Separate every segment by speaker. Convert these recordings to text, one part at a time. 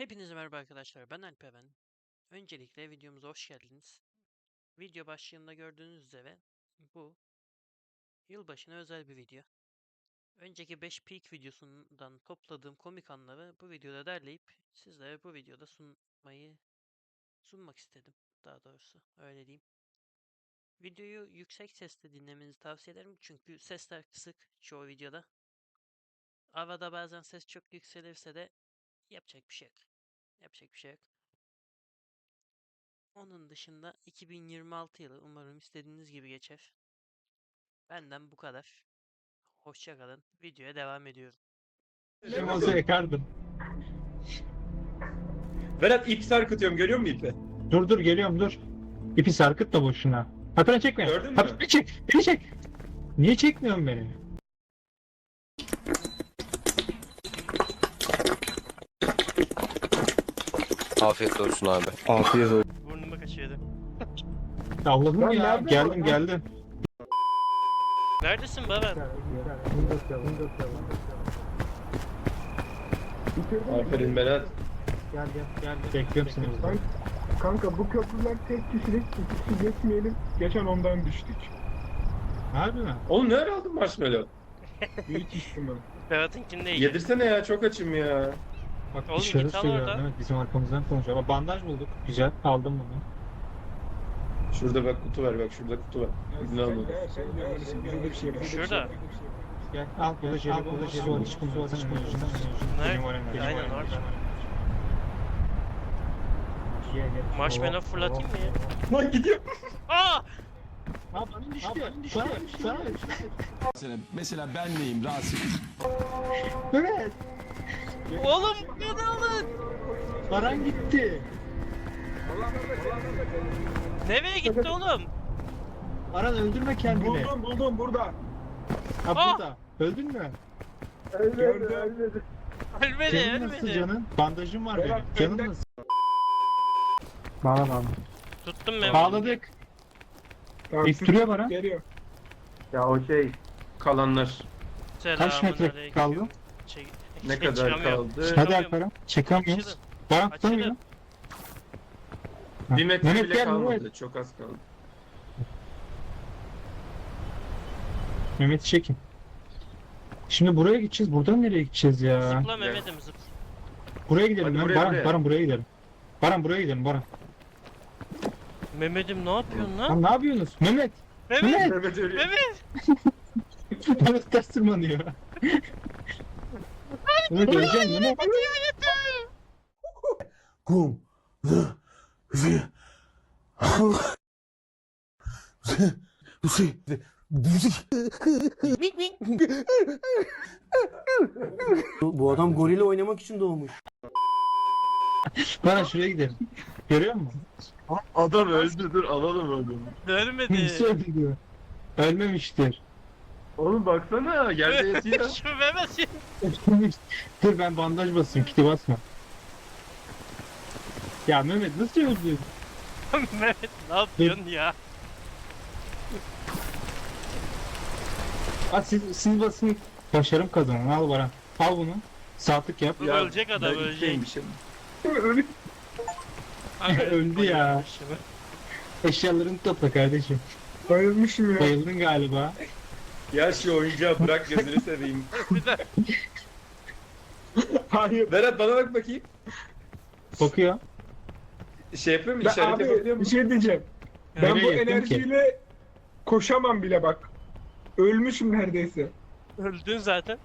Speaker 1: Hepinize merhaba arkadaşlar, ben Alperen. Öncelikle videomuza hoş geldiniz. Video başlığında gördüğünüz üzere bu yılbaşına özel bir video. Önceki 5 peak videosundan topladığım komik anları bu videoda derleyip sizlere bu videoda sunmak istedim. Daha doğrusu öyle diyeyim. Videoyu yüksek sesle dinlemenizi tavsiye ederim çünkü sesler kısık çoğu videoda. Arada bazen ses çok yükselirse de yapacak bir şey yok. Yapacak bir şey yok. Onun dışında 2026 yılı umarım istediğiniz gibi geçer. Benden bu kadar. Hoşça kalın. Videoya devam ediyorum.
Speaker 2: Olsa yakardım.
Speaker 3: Berat ip sarkıtıyorum, görüyor musun ipi?
Speaker 2: Dur geliyorum dur. İpi sarkıt da boşuna. Hatıra çekme.
Speaker 3: Gördün mü?
Speaker 2: Hatıra çek. Beni çek. Niye çekmiyorsun beni?
Speaker 4: Afiyet olsun abi.
Speaker 3: Afiyet olsun.
Speaker 1: Burnuma kaçıyordu.
Speaker 2: Allah'ım ya. Geldim.
Speaker 1: Neredesin Baran?
Speaker 3: Aferin Berat.
Speaker 2: Gel. Bekliyorum seni burada.
Speaker 5: Kanka bu köprüler tek kişilik, iki kişi geçmeyelim. Geçen ondan düştük.
Speaker 2: Harbi mi?
Speaker 3: Oğlum ne ara aldın marshmallow?
Speaker 5: Büyük ihtimal.
Speaker 1: Berat'ınkini de yiyeceğim.
Speaker 3: Yedirsene ya, çok açım ya.
Speaker 2: Bak
Speaker 1: Oğlum
Speaker 2: dışarı
Speaker 1: git al
Speaker 2: söylüyorum.
Speaker 1: oradan.
Speaker 2: Evet bizim arkamızdan konuşuyor. Ama bandaj bulduk. Güzel. Aldım bunu.
Speaker 3: Şurada bak kutu var, bak şurada kutu var. İzin almadım.
Speaker 5: Böyle bir şey yapalım.
Speaker 1: Şurada.
Speaker 2: Gel. Al burada jeli var. Hiç bunu var.
Speaker 1: Nerede? Aynen orada. Marshmallow fırlatayım mı ya?
Speaker 3: Lan gidiyor.
Speaker 1: Aa!
Speaker 2: Bana düştü. Bana düştü.
Speaker 6: Mesela ben neyim Rasim?
Speaker 2: Evet.
Speaker 1: Oğlum beni alın.
Speaker 2: Baran gitti.
Speaker 1: Nereye gitti oğlum?
Speaker 2: Baran öldürme kendini.
Speaker 5: Buldum burada.
Speaker 2: Ha
Speaker 1: Aa!
Speaker 2: burada. Öldün mü?
Speaker 5: Gördüm.
Speaker 1: Ölmedi
Speaker 2: Canın nasıl
Speaker 1: ölmedi.
Speaker 2: canın? Bandajım var benim.
Speaker 5: Berat,
Speaker 2: Canın
Speaker 5: benden-
Speaker 2: nasıl? Bağla.
Speaker 1: Tuttum Mehmet.
Speaker 2: Bağladık.
Speaker 5: Tamam,
Speaker 2: İttiriyor bana.
Speaker 5: Geliyor.
Speaker 3: Kalanlar.
Speaker 2: Kaç metre
Speaker 1: Selamünaleyküm.
Speaker 2: kaldı?
Speaker 3: Ne kadar
Speaker 1: Çıkamıyorum.
Speaker 3: kaldı?
Speaker 2: Hadi
Speaker 1: Çıkamıyorum.
Speaker 2: Alperen. Çekamıyoruz.
Speaker 1: Açılın.
Speaker 2: Baran
Speaker 1: Açılın.
Speaker 2: tutamıyor. Ha.
Speaker 3: Bir metre
Speaker 2: Mehmet
Speaker 3: bile
Speaker 2: gel,
Speaker 3: kalmadı.
Speaker 2: Mehmet.
Speaker 3: Çok az kaldı.
Speaker 2: Mehmet'i çekin. Şimdi buraya gideceğiz. Buradan nereye gideceğiz ya?
Speaker 1: Zıpla Mehmet'im zıpla.
Speaker 2: Buraya gidelim
Speaker 3: Hadi
Speaker 2: lan.
Speaker 3: buraya,
Speaker 2: Baran,
Speaker 3: buraya.
Speaker 2: Baran buraya gidelim. Baran buraya gidelim Baran.
Speaker 1: Mehmet'im ne yapıyorsun lan?
Speaker 2: Lan ne yapıyorsunuz? Mehmet.
Speaker 1: Mehmet!
Speaker 2: Mehmet.
Speaker 3: Mehmet ölüyor.
Speaker 1: Mehmet!
Speaker 2: Mehmet ters tırmanıyor. Mehmet öleceksin Mehmet.
Speaker 6: Kum.
Speaker 7: Bu adam gorille oynamak için doğmuş.
Speaker 2: Baran şuraya gidelim. Görüyor musun?
Speaker 3: Adam öldü, dur alalım adamı.
Speaker 1: Ölmedi.
Speaker 2: Birisi öldü diyor. Ölmemiştir.
Speaker 3: Oğlum baksana, yerde yatıyor.
Speaker 1: Şu Mehmet.
Speaker 2: Dur ben bandaj basayım. Kiti basma. Ya Mehmet nasıl öldü?
Speaker 1: Mehmet ne yapıyorsun ya?
Speaker 2: Siz basın. Başarım kazanın. Al Baran. Al bunu. Saatlik yap.
Speaker 1: Dur, ölecek adam,
Speaker 3: ben
Speaker 1: ölecek.
Speaker 3: itteymişim.
Speaker 2: Öldü ya. Eşyalarını topla kardeşim.
Speaker 5: Bayılmışım ya.
Speaker 2: Bayıldın galiba.
Speaker 3: Ya şu oyuncağı bırak, gözünü seveyim.
Speaker 1: Bir de
Speaker 5: Hayır.
Speaker 3: Berat bana bak bakayım.
Speaker 2: Bakıyor.
Speaker 3: Şey yapıyor mu?
Speaker 5: Ben,
Speaker 3: İşaret yapabiliyor
Speaker 5: abi bir
Speaker 3: musun?
Speaker 5: şey diyeceğim. Ben
Speaker 2: Nereye
Speaker 5: bu
Speaker 2: gittin ki?
Speaker 5: enerjiyle koşamam bile bak. Ölmüşüm neredeyse.
Speaker 1: öldün zaten.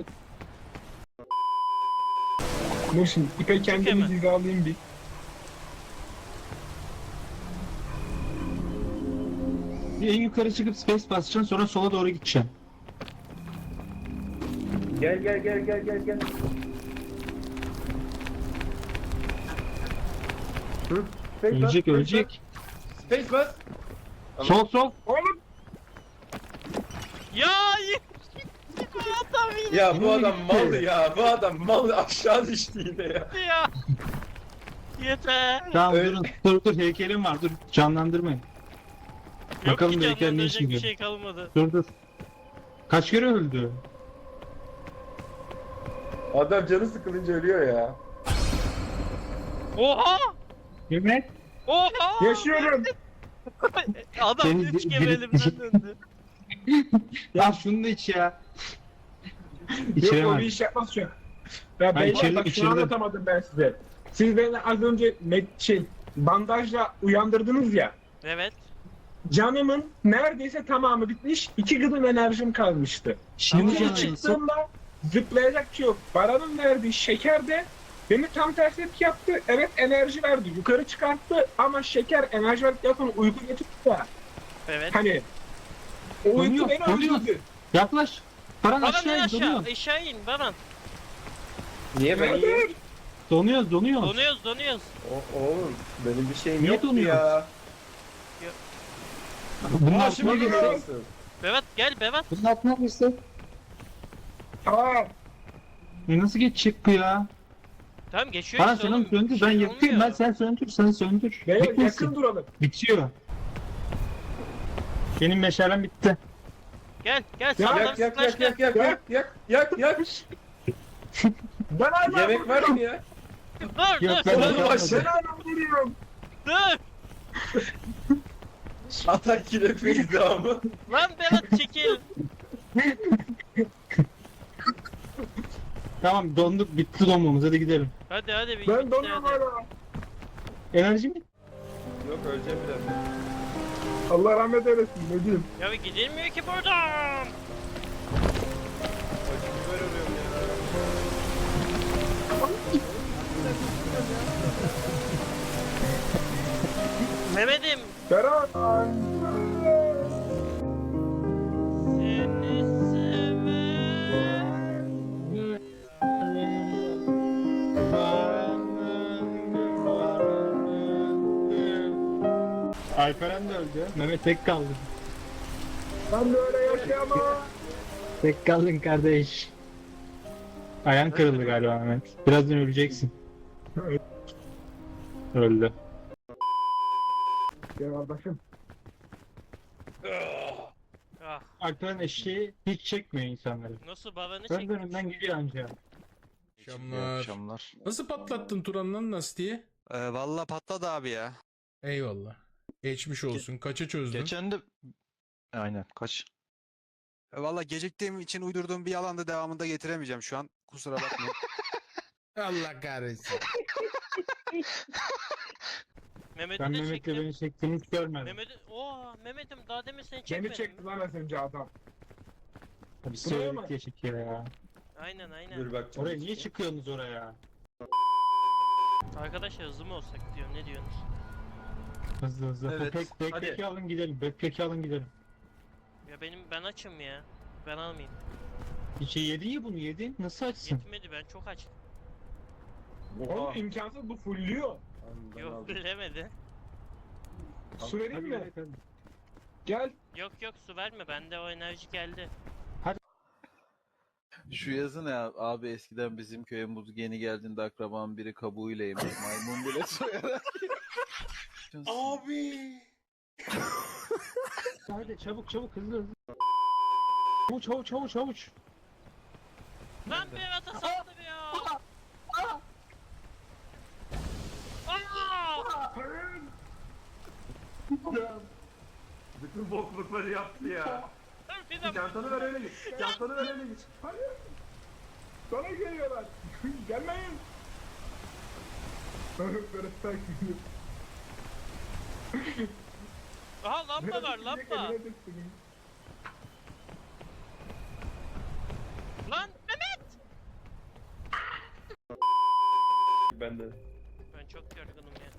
Speaker 5: Dur şimdi ipe kendimi
Speaker 1: hemen.
Speaker 5: hizalayayım bir.
Speaker 2: Bir en yukarı çıkıp space basacaksın sonra sola doğru gideceksin.
Speaker 3: Gel.
Speaker 2: Ölecek.
Speaker 3: Space bas.
Speaker 2: Sol.
Speaker 5: Oğlum
Speaker 1: Ya bu adam
Speaker 3: Ya bu
Speaker 2: Nereye
Speaker 3: adam
Speaker 2: gitti?
Speaker 3: mal ya. Bu adam mal, aşağı düştü yine ya.
Speaker 1: gitti ya. Yeter.
Speaker 2: Tamam
Speaker 3: Öl-
Speaker 2: dur heykelim var dur canlandırmayın.
Speaker 1: Yok
Speaker 2: Bakalım
Speaker 1: ki
Speaker 2: belki ne
Speaker 1: canlandıracak
Speaker 2: işin
Speaker 1: bir
Speaker 2: görür.
Speaker 1: şey kalmadı.
Speaker 2: Dur. Kaç kere öldü?
Speaker 3: Adam canı sıkılınca ölüyor ya.
Speaker 1: Oha!
Speaker 2: Mehmet.
Speaker 1: Oha!
Speaker 5: Yaşıyorum.
Speaker 1: Adam
Speaker 2: Seni
Speaker 1: 3 kere
Speaker 2: biri-
Speaker 1: elimden döndü.
Speaker 2: Ya şunu da iç ya.
Speaker 5: Yok
Speaker 2: İçiremem.
Speaker 5: o bir iş yapmaz şu an. Ya
Speaker 2: Ben
Speaker 5: beyler
Speaker 2: içirdim,
Speaker 5: bak şunu
Speaker 2: içirdim.
Speaker 5: anlatamadım ben size. Siz beni az önce bandajla uyandırdınız ya.
Speaker 1: Evet.
Speaker 5: Canımın neredeyse tamamı bitmiş. 2 gıdım enerjim kalmıştı.
Speaker 2: Şimdi
Speaker 5: Şimdi
Speaker 2: canım
Speaker 5: çıktığımda zıplayacak bir şey yok. Baran'ın verdiği şeker de beni tam tersi etki yaptı. Evet enerji verdi. Yukarı çıkarttı ama şeker enerji verdikten sonra uyku getirdi ya.
Speaker 1: Evet.
Speaker 5: Hani o uyku
Speaker 2: Donuyor,
Speaker 5: beni
Speaker 2: donuyor.
Speaker 5: öldürdü.
Speaker 2: Yaklaş. Baran
Speaker 1: Baran
Speaker 2: aşağı
Speaker 1: in
Speaker 2: in,
Speaker 1: aşağı.
Speaker 2: donuyor.
Speaker 1: Aşağı in Baran.
Speaker 3: Niye ben iyiyim?
Speaker 5: Evet.
Speaker 2: Donuyoruz, donuyoruz.
Speaker 1: Donuyoruz.
Speaker 3: Oğlum benim bir şeyim
Speaker 2: Niye
Speaker 3: yok
Speaker 2: donuyor?
Speaker 3: ya.
Speaker 2: Bunun
Speaker 3: Aa
Speaker 2: altına
Speaker 3: şimdi
Speaker 2: girsin.
Speaker 3: geliyorsun.
Speaker 1: Bevat gel Bevat.
Speaker 2: Bunun altına girsin.
Speaker 5: Tamam.
Speaker 2: Nasıl geçecek bu ya?
Speaker 1: Tamam geçiyor
Speaker 2: Baran
Speaker 1: işte
Speaker 2: senin
Speaker 1: oğlum.
Speaker 2: söndür,
Speaker 1: Bir
Speaker 2: ben
Speaker 1: şey
Speaker 2: yakayım, ben
Speaker 1: olmuyor.
Speaker 2: sen söndür, sen söndür.
Speaker 5: Beyler yakın
Speaker 2: Bitmesin.
Speaker 5: duralım.
Speaker 2: Bitiyor. Benim meşalem bitti.
Speaker 1: Gel
Speaker 5: Ya,
Speaker 1: sağdan
Speaker 3: Yak yak
Speaker 1: sıklaş
Speaker 3: yak
Speaker 1: gel.
Speaker 3: yak yak yak yak yak.
Speaker 5: Ben hala
Speaker 3: Yemek var mı ya?
Speaker 1: Dur
Speaker 2: Yok,
Speaker 1: dur
Speaker 2: ben
Speaker 1: dur.
Speaker 2: yapamadım.
Speaker 5: Ben hala vuruyorum.
Speaker 1: Dur.
Speaker 3: Atak kirefiyiz devamı.
Speaker 1: Lan Bevat çekil.
Speaker 2: Tamam donduk, bitti donmamız, hadi gidelim.
Speaker 1: Hadi bir
Speaker 5: Ben
Speaker 1: bitti
Speaker 5: donuyorum
Speaker 1: hadi.
Speaker 5: hala.
Speaker 2: Enerji mi?
Speaker 3: Yok öleceğim birazdan.
Speaker 5: Allah rahmet eylesin ne diyeyim.
Speaker 1: Ya bir gidilmiyor ki buradan.
Speaker 3: Acı biber arıyorum ya.
Speaker 1: Mehmet'im.
Speaker 5: Berat.
Speaker 1: Seni seven.
Speaker 2: Alperen de öldü. Mehmet tek kaldı.
Speaker 5: Ben de öyle yaşayamam.
Speaker 2: Tek kaldın kardeş. Ayağın kırıldı galiba Mehmet. Birazdan öleceksin.
Speaker 5: Evet.
Speaker 2: Öldü.
Speaker 5: Gel kardeşim.
Speaker 1: Ah
Speaker 2: Alperen eşeği hiç çekmiyor insanları.
Speaker 1: nasıl babanı
Speaker 2: Ön
Speaker 1: çek.
Speaker 2: önünden gidiyor anca.
Speaker 8: Akşamlar. Nasıl patlattın Turan'dan nasıl diye?
Speaker 9: Valla patladı abi ya.
Speaker 8: Eyvallah. Geçmiş olsun. Kaça çözdün?
Speaker 9: Geçen de... Aynen kaç? Valla geciktiğim için uydurduğum bir yalan da devamında getiremeyeceğim şu an. Kusura bakmayın.
Speaker 8: Allah kahretsin.
Speaker 1: Mehmet'i
Speaker 2: Ben
Speaker 1: de
Speaker 2: Mehmet'le
Speaker 1: çektim.
Speaker 2: beni çektiğini hiç görmedim.
Speaker 1: Mehmet'im daha demin seni
Speaker 5: Beni
Speaker 1: çekmedim.
Speaker 5: çekti lan az önce adam.
Speaker 2: Tabii
Speaker 5: Buraya
Speaker 2: söyledik
Speaker 5: mı?
Speaker 2: diye çekiyor ya.
Speaker 1: Aynen
Speaker 3: Dur bak.
Speaker 2: Oraya niye çıkıyorsunuz oraya?
Speaker 1: Arkadaşlar hızlı mı olsak diyorum ne diyorsunuz?
Speaker 2: Hızlı hızlı.
Speaker 3: Evet,
Speaker 2: Backpack'i
Speaker 3: hadi.
Speaker 2: alın gidelim. Backpack'i alın gidelim.
Speaker 1: Ya ben açım ya. Ben almayayım.
Speaker 2: Yedin ya bunu yedin. Nasıl açsın?
Speaker 1: Yetmedi ben çok açtım.
Speaker 5: Oğlum imkansız bu fulluyor.
Speaker 1: Yok bilemedi.
Speaker 5: Su vereyim
Speaker 2: Hadi
Speaker 5: mi?
Speaker 2: gel, hadi.
Speaker 5: Gel.
Speaker 1: Yok su verme bende o enerji geldi.
Speaker 10: Şu yazı ne abi eskiden bizim köye muz yeni geldiğinde akrabanın biri kabuğuyla yemiş maymun bile soyarak.
Speaker 6: Abi.
Speaker 2: Hadi çabuk çabuk hızlı hızlı. Çavuç.
Speaker 1: Lan Berat'a saldırıyor. Aa!
Speaker 3: Bütün boklukları yaptı ya.
Speaker 1: Dur bir dakika.
Speaker 3: Çantanı ver öyle git. Çantanı ver öyle git.
Speaker 5: Hayır. Bana geliyorlar. Gelmeyin. Berat sakin.
Speaker 1: Aha lamba var lamba. Lan Mehmet.
Speaker 3: Ben de.
Speaker 1: Ben çok yorgunum ya.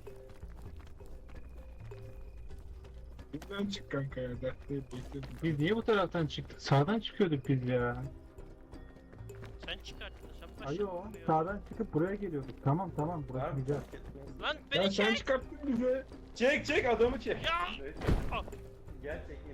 Speaker 5: Bizden çık kanka ya. Dert değil. Bekledim.
Speaker 2: Biz niye bu taraftan çıktık? Sağdan çıkıyorduk biz ya.
Speaker 1: Sen çıkarttın sen başladın.
Speaker 2: Ayo,
Speaker 1: buraya.
Speaker 2: sağdan çıkıp buraya geliyorduk. Tamam burası
Speaker 3: Tamam,
Speaker 2: güzel.
Speaker 3: fark etmez.
Speaker 1: Lan
Speaker 5: Ya
Speaker 1: beni
Speaker 5: sen
Speaker 1: çek.
Speaker 5: çıkarttın bizi.
Speaker 3: Çek adamı çek.
Speaker 1: Ya! Al.
Speaker 3: Gel çekil.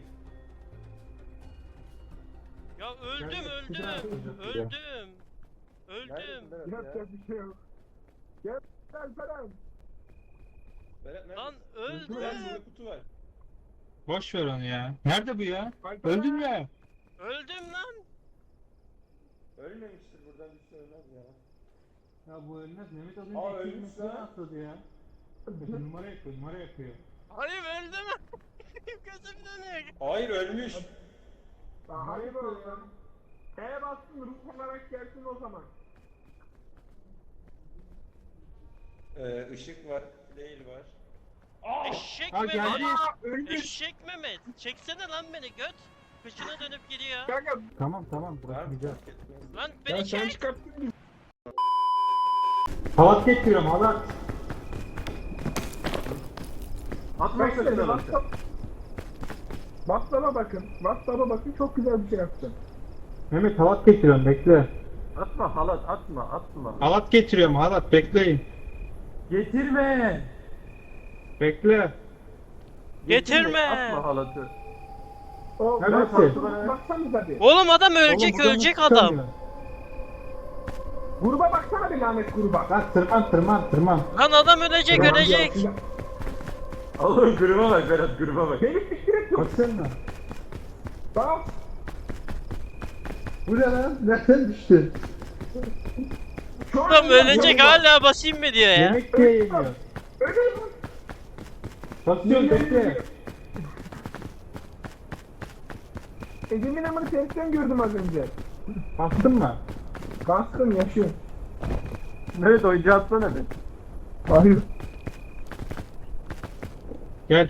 Speaker 1: Ya öldüm
Speaker 2: Gel,
Speaker 1: öldüm.
Speaker 2: güzel yapacağız ya.
Speaker 1: Öldüm. Öldüm.
Speaker 5: Yapacak bir şey yok. Gel Alperen.
Speaker 3: Berat nerede?
Speaker 1: Lan
Speaker 3: Gel burada
Speaker 1: öldüm.
Speaker 3: kutu var.
Speaker 2: Boş ver onu ya. Nerede bu ya?
Speaker 5: Alperen.
Speaker 2: Öldün mü?
Speaker 1: Öldüm lan.
Speaker 3: Ölmemiştir buradan bir şey ölmez ya.
Speaker 2: Ya bu ölmez. Mehmet az
Speaker 5: Aa,
Speaker 2: önce
Speaker 5: ölmüş
Speaker 2: ekmeğini
Speaker 5: lan.
Speaker 2: atladı ya. Numara yapıyor.
Speaker 1: Hayır öldü mü? Gözüm dönüyor.
Speaker 3: Hayır ölmüş.
Speaker 5: Hadi bakalım. E bastın ruh olarak gelsin o zaman.
Speaker 3: Işık var. Değil var.
Speaker 1: Eşek
Speaker 2: Ha,
Speaker 1: Mehmet.
Speaker 2: geldi.
Speaker 5: Öldü.
Speaker 1: Eşek Mehmet. Çeksene lan beni göt. Kıçına dönüp gidiyor.
Speaker 5: Kanka
Speaker 2: Tamam
Speaker 3: Var
Speaker 2: bırakmayacağız.
Speaker 3: fark etmez.
Speaker 1: Lan
Speaker 5: ya
Speaker 1: beni
Speaker 5: sen
Speaker 1: çek.
Speaker 5: çıkarttın bizi.
Speaker 2: Halat getiriyorum halat.
Speaker 5: Atmak istedi. WhatsApp'a bakın. WhatsApp'a bakın çok güzel bir şey yaptın.
Speaker 2: Mehmet halat getiriyorum bekle.
Speaker 10: Atma halat atma.
Speaker 2: Halat getiriyorum halat bekleyin.
Speaker 10: Getirme.
Speaker 2: Bekle.
Speaker 1: Getirme.
Speaker 10: halatı.
Speaker 5: O
Speaker 2: Neresi?
Speaker 5: baksanıza bir.
Speaker 1: Oğlum adam ölecek
Speaker 2: Oğlum, buradan
Speaker 1: ölecek
Speaker 2: nasıl
Speaker 1: adam.
Speaker 2: çıkamıyor?
Speaker 5: Gruba baksana bir lanet gruba.
Speaker 2: Lan tırman.
Speaker 1: Lan adam ölecek
Speaker 5: Tamam,
Speaker 1: ölecek.
Speaker 5: ya.
Speaker 10: Oğlum gruba bak Berat gruba bak.
Speaker 5: Beni siktir et.
Speaker 2: Baksana.
Speaker 5: Bak.
Speaker 2: Bu ne lan? Nereden düştün?
Speaker 5: Şu an
Speaker 1: Adam ölecek
Speaker 5: gruba.
Speaker 1: hala basayım mı diyor ya.
Speaker 2: Yemek de yemiyor.
Speaker 5: Ölüyorum.
Speaker 2: Basıyorum bekle.
Speaker 5: Egemin amını tersten gördüm az önce.
Speaker 2: Bastın mı?
Speaker 5: Bastım yaşıyor.
Speaker 10: Evet oyuncu atsana be.
Speaker 5: Hayır.
Speaker 2: Gel.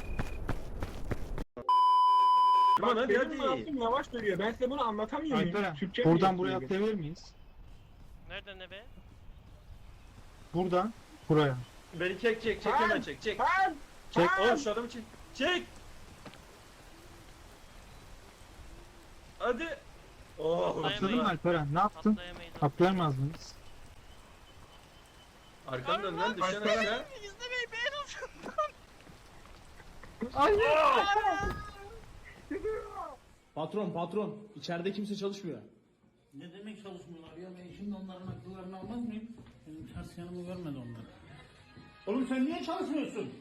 Speaker 3: Aman
Speaker 5: Bak
Speaker 3: hadi
Speaker 5: benim
Speaker 3: hadi.
Speaker 5: mouse'um yavaş dönüyor. Ben size bunu anlatamıyor muyum?
Speaker 2: Alperen
Speaker 5: Türkçe
Speaker 2: buradan
Speaker 5: mi
Speaker 2: buraya
Speaker 5: yetmiyor?
Speaker 2: atlayabilir miyiz?
Speaker 1: Nerede ne be?
Speaker 2: Buradan buraya.
Speaker 3: Beni çek hemen çek.
Speaker 5: Lan!
Speaker 2: Çek.
Speaker 5: Lan!
Speaker 3: Oğlum şu adamı çek. Çek. Hadi. Oh.
Speaker 2: Atladın mı Alperen? Ne yaptın?
Speaker 1: Atlayamayız.
Speaker 2: Atlayamaz mıyız?
Speaker 3: Arkandan lan düşen
Speaker 5: Alperen.
Speaker 3: aşağı.
Speaker 1: İzlemeyin beğenin.
Speaker 6: Patron içeride kimse çalışmıyor.
Speaker 11: Ne demek çalışmıyorlar ya? Ben şimdi onların akıllarını almaz mıyım? Benim ters yanımı görmedi onlar. Oğlum sen niye çalışmıyorsun?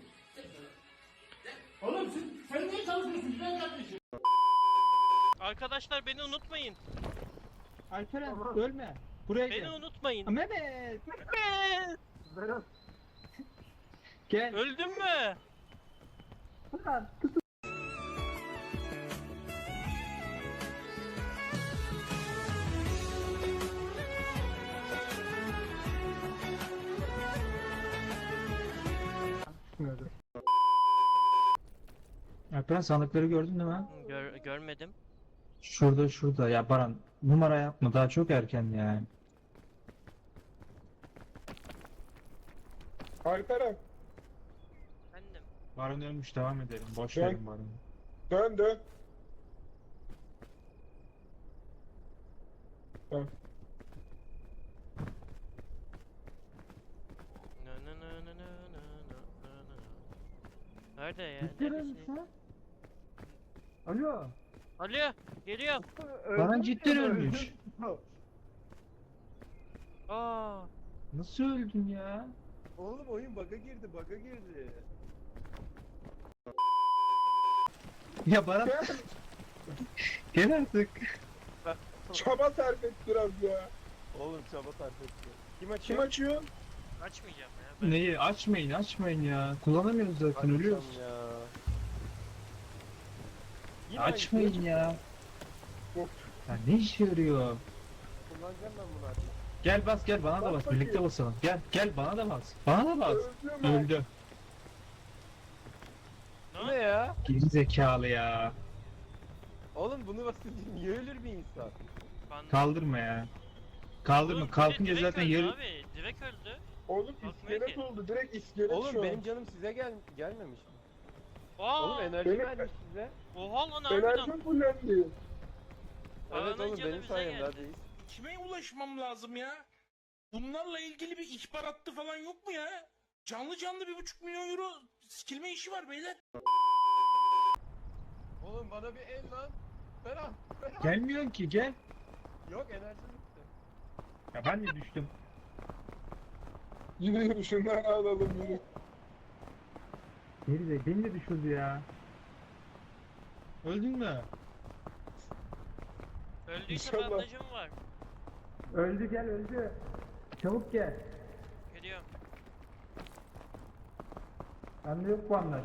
Speaker 11: Oğlum sen niye çalışmıyorsun? Güzel kardeşim.
Speaker 1: Arkadaşlar beni unutmayın.
Speaker 2: Alperen ölme. Buraya
Speaker 1: Beni
Speaker 2: gel.
Speaker 1: unutmayın.
Speaker 2: Mehmet.
Speaker 1: Mehmet!
Speaker 2: Gel.
Speaker 1: Öldün mü?
Speaker 2: Alperen sandıkları gördün değil mi?
Speaker 1: Görmedim.
Speaker 2: Şurada ya Baran numara yapma daha çok erken yani.
Speaker 5: Alperen
Speaker 1: Efendim.
Speaker 2: Baran ölmüş devam edelim. Boş
Speaker 5: Ben-
Speaker 2: verin Baran'ı.
Speaker 5: dön.
Speaker 1: Na na na na na na na na na. Nerede ya?
Speaker 2: Ciddi
Speaker 1: Neredesin?
Speaker 2: misin? Alo.
Speaker 1: Alo, geliyor.
Speaker 2: Baran cidden ölmüş.
Speaker 1: Aa,
Speaker 2: Nasıl öldün ya?
Speaker 10: Oğlum oyun bug'a girdi.
Speaker 2: Ya Baran. Gel artık.
Speaker 5: Çaba sarf et biraz ya.
Speaker 10: Oğlum çaba sarf etti.
Speaker 5: Kim açıyor?
Speaker 1: açmayacağım ya. Ben.
Speaker 2: Neyi? Açmayın ya. Kullanamıyoruz zaten ölüyoruz. Açmayın ya. Ya ne işe yarıyor?
Speaker 10: Kullanacağım ben bunu artık.
Speaker 2: Gel bas gel bana da bas. Birlikte basalım. Gel bana da bas. Bana da bas. Öldü.
Speaker 10: Bu ne ya?
Speaker 2: Geri zekalı ya.
Speaker 10: Oğlum bunu basınca niye ölür bir insan?
Speaker 2: Kaldırma ya. Kaldırma.
Speaker 1: Oğlum,
Speaker 2: Kalkınca
Speaker 1: direkt
Speaker 2: zaten
Speaker 1: öldü
Speaker 2: yarı...
Speaker 1: abi. Direkt öldü.
Speaker 5: Oğlum
Speaker 1: Bakmıyor
Speaker 5: iskelet
Speaker 1: ki.
Speaker 5: oldu. Direkt iskelet
Speaker 10: Oğlum
Speaker 5: şu an.
Speaker 10: benim canım size gelmemiş mi?
Speaker 1: Aa,
Speaker 10: Oğlum enerji
Speaker 5: benim-
Speaker 10: vermiş size.
Speaker 1: oha lan harbiden.
Speaker 5: Enerjim fullendi.
Speaker 1: Paranın
Speaker 10: Evet oğlum
Speaker 1: canı
Speaker 10: benim
Speaker 1: bize
Speaker 10: sayemde
Speaker 1: geldi.
Speaker 10: hadi.
Speaker 8: Kime ulaşmam lazım ya? Bunlarla ilgili bir ihbar hattı falan yok mu ya? Canlı 1,5 milyon euro sikilme işi var beyler.
Speaker 10: Oğlum bana bir el lan. Ferah.
Speaker 2: Gelmiyorsun ki gel.
Speaker 10: Yok enerji bitti.
Speaker 2: Ya ben de düştüm.
Speaker 5: Yine şundan alalım yürü.
Speaker 2: Beni de düşürdü ya. Öldün mü?
Speaker 1: Öldüyse
Speaker 5: İnşallah.
Speaker 1: bandajım var.
Speaker 2: Öldü gel öldü. Çabuk gel.
Speaker 1: Geliyorum.
Speaker 2: Bende yok bandaj.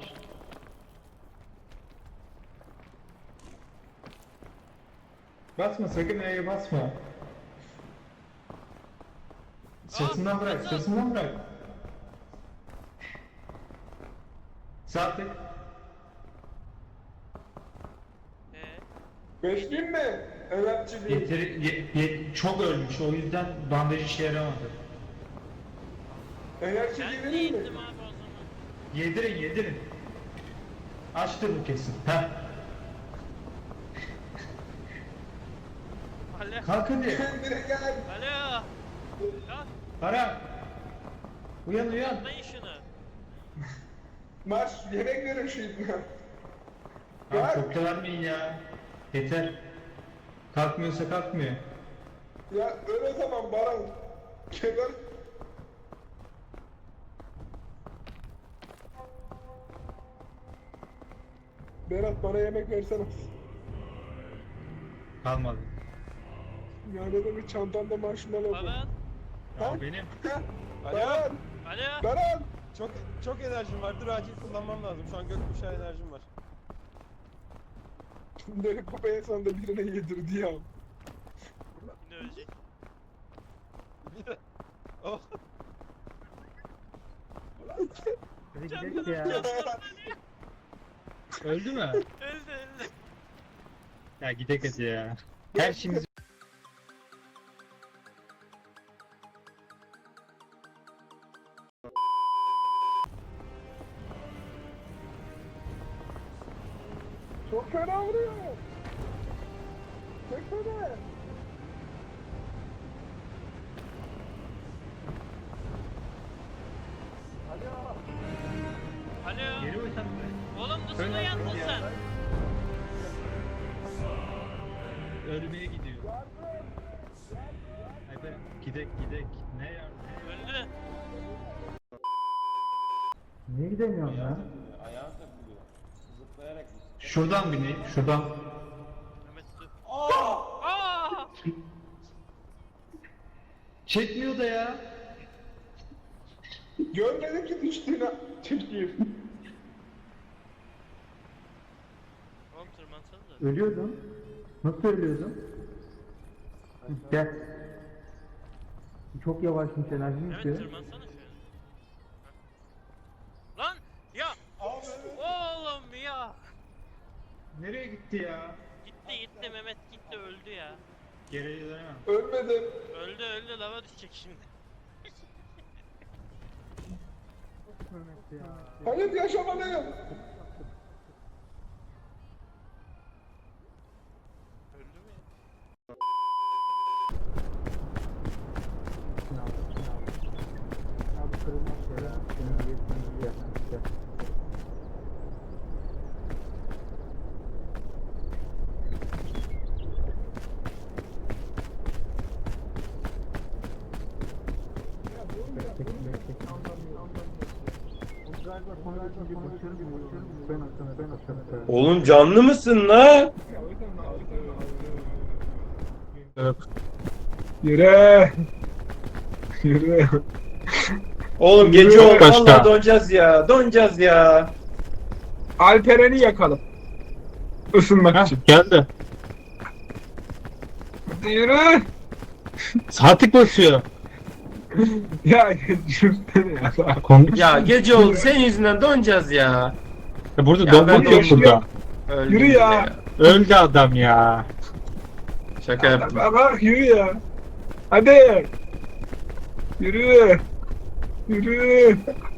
Speaker 2: Basma sakın E'ye basma. Sırtından bırak, sırtından bırak. Sağ tık.
Speaker 5: Beşliyim mi? Evetçi değil.
Speaker 2: Çok ölmüş o yüzden bandaj işe yaramadı.
Speaker 5: Enerji
Speaker 1: Ben
Speaker 5: vereyim mi?
Speaker 1: değildim abi o zaman.
Speaker 2: Yedirin yedirin. Açtı bu kesin. Heh.
Speaker 1: Alo.
Speaker 2: Kalk hadi.
Speaker 5: Kendine gel.
Speaker 1: Alo. Kalk.
Speaker 2: Para. Uyan uyan.
Speaker 1: Atlayın şunu.
Speaker 5: Marş yemek verin şu ibne.
Speaker 2: Abi çok da vermeyin ya. Yeter. Kalkmıyorsa kalkmıyor.
Speaker 5: Ya öyle zaman Baran. Kemer. Berat bana yemek versene.
Speaker 2: Kalmadı.
Speaker 5: Ya ne demek çantamda marshmallow var.
Speaker 1: Baran.
Speaker 5: Ha?
Speaker 2: Benim.
Speaker 5: Baran!
Speaker 1: Alo.
Speaker 5: Baran!
Speaker 3: Çok enerjim var. Dur acil kullanmam lazım. Şu an gökkuşağı enerjim var.
Speaker 5: Böyle kupaya sonunda birine yedirdi ya.
Speaker 1: Ne ölecek?
Speaker 3: Oh.
Speaker 2: Hadi gidelim ya. Öldü mü?
Speaker 1: Öldü öldü.
Speaker 2: Ya gidek hadi ya. Her şeyimiz
Speaker 5: Çok fena vuruyor. Çok fena.
Speaker 1: Alo.
Speaker 2: geri uysan
Speaker 1: Oğlum nasıl uyandın sen?
Speaker 2: ölmeye gidiyor. Hadi gidek gidek. Ne ya?
Speaker 1: Öldü.
Speaker 2: Niye gidemiyorsun ya? Şuradan bineyim, şuradan.
Speaker 1: Mehmet dur. Aa!
Speaker 2: Çekmiyor da ya.
Speaker 5: Görmedim ki düştüğünü çekeyim.
Speaker 1: Oğlum tırmansanıza.
Speaker 2: Ölüyordum. Nasıl ölüyordum? Gel. Çok yavaşmış enerjim
Speaker 1: Mehmet
Speaker 2: bitiyor.
Speaker 1: tırmansana şöyle. Lan ya. Oğlum ya.
Speaker 2: Nereye gitti ya?
Speaker 1: Gitti gitti Mehmet gitti öldü ya.
Speaker 2: Geriye dönemem.
Speaker 5: Ölmedim.
Speaker 1: Öldü lava düşecek şimdi.
Speaker 5: Hayır yaşamalıyım.
Speaker 1: Öldü mü ya?
Speaker 3: Oğlum canlı mısın la?
Speaker 5: Yürü. Yürü.
Speaker 3: Oğlum gece oldu. Vallahi donacağız ya. Donacağız ya.
Speaker 5: Alperen'i yakalım. Isınmak için.
Speaker 2: Geldi.
Speaker 5: Hadi yürü.
Speaker 2: Sağ tık basıyor.
Speaker 5: Ya yürüsene ya.
Speaker 3: Ya gece oldu. Senin yüzünden donacağız ya.
Speaker 2: Burada
Speaker 3: Ya
Speaker 2: donma
Speaker 3: ben
Speaker 2: yok burada.
Speaker 3: Öldüm
Speaker 5: Yürü
Speaker 3: bile
Speaker 5: ya.
Speaker 2: Öldü adam ya.
Speaker 3: Şaka yaptım.
Speaker 5: Bak yürü ya. Hadi. Yürü. Yürü.